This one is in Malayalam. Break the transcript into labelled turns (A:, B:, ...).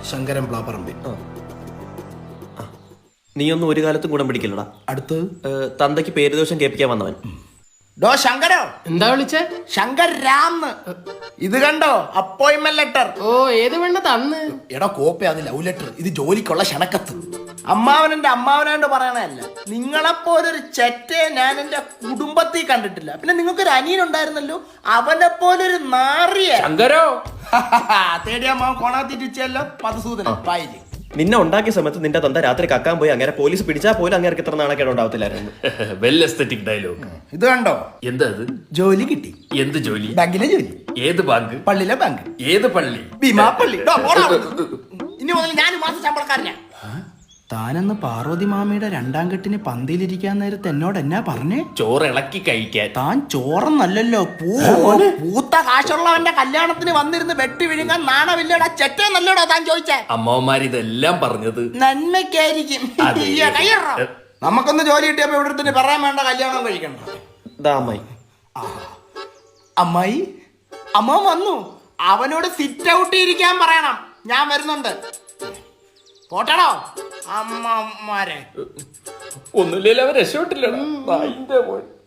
A: ശങ്കരൻ പ്ലാപ്പറമ്പി.
B: നീയൊന്നും ഒരു കാലത്തും ഗുണം പിടിക്കില്ലടാ.
A: അടുത്ത്
B: തന്തയ്ക്ക് പേരുദോഷം കേൾപ്പിക്കാൻ വന്നവൻ.
A: ഡോ ശങ്കരോ,
C: എന്താ വിളിച്ചേ?
A: ശങ്കർ രാം. ഇത് കണ്ടോ അപ്പോയിന്റ്മെന്റ് ലെറ്റർ.
C: ഓ, ഏത് വേണ്ട തന്ന്?
A: എടാ കോപ്പി, അത് ലവ് ലെറ്റർ. ഇത് ജോലിക്കുള്ള ക്ഷണക്കത്ത്. അമ്മാവനെന്റെ അമ്മാവനായിട്ട് പറയണല്ല. നിങ്ങളെപ്പോലൊരു ചെറ്റയെ ഞാൻ എന്റെ കുടുംബത്തിൽ കണ്ടിട്ടില്ല. പിന്നെ നിങ്ങൾക്കൊരു അനിയനുണ്ടായിരുന്നല്ലോ, അവനെ പോലൊരു നാറിയ
C: ശങ്കരോ.
A: തേടിയ അമ്മാവൻ കോണാത്തിരിച്ചല്ലോ പദസൂദന പായില്.
B: നിന്നെ ഉണ്ടാക്കിയ സമയത്ത് നിന്റെ തന്ത രാത്രി കക്കാൻ പോയി അങ്ങനെ പോലീസ് പിടിച്ചാൽ പോലും അങ്ങനെ ഇത്ര നാണക്കേട് ഉണ്ടാവത്തില്ലായിരുന്നു.
D: Well aesthetic dialogue.
A: ഇത് കണ്ടോ,
D: എന്താ അത്?
A: ജോലി കിട്ടി.
D: എന്ത് ജോലി?
A: ബാങ്കിലെ ജോലി.
D: ഏത് ബാങ്ക്?
A: പള്ളിയിലെ ബാങ്ക്.
D: ഏത് പള്ളി?
A: ഭീമാപ്പള്ളി. ഇനി മുതൽ ഞാൻ മാസം ശമ്പളക്കാരനാ. താനെന്ന് പാർവതി മാമിയുടെ രണ്ടാം കെട്ടിന് പന്തിയിലിരിക്കാൻ നേരത്ത് എന്നോട് എന്നാ പറഞ്ഞേ?
D: ചോറ് ഇളക്കി കഴിക്കാൻ.
A: താൻ ചോറന്നല്ലോ, പൂത്ത കാശുള്ളവന്റെ കല്യാണത്തിന് വന്നിരുന്ന് വെട്ടി വിഴുങ്ങാൻ നാണമില്ലടാ ചെറ്റേ നല്ലോടാ താൻ ചോദിച്ചേ.
D: അമ്മമാർ ഇതെല്ലാം പറഞ്ഞത്
A: നന്മയ്ക്കായിരിക്കും. നമുക്കൊന്ന് ജോലി കിട്ടിയപ്പോ ഇവിടെ തന്നെ പറയാൻ വേണ്ട, കല്യാണം കഴിക്കണ്ട.
B: അമ്മായി
A: അമ്മായി അമ്മ വന്നു. അവനോട് സിറ്റ് ഔട്ട് ഇരിക്കാൻ പറയണം. ഞാൻ വരുന്നുണ്ട്. പോട്ടടോ അമ്മമാരെ.
D: ഒന്നുമില്ലല്ലോ, അവർ രക്ഷപ്പെട്ടില്ലടാ.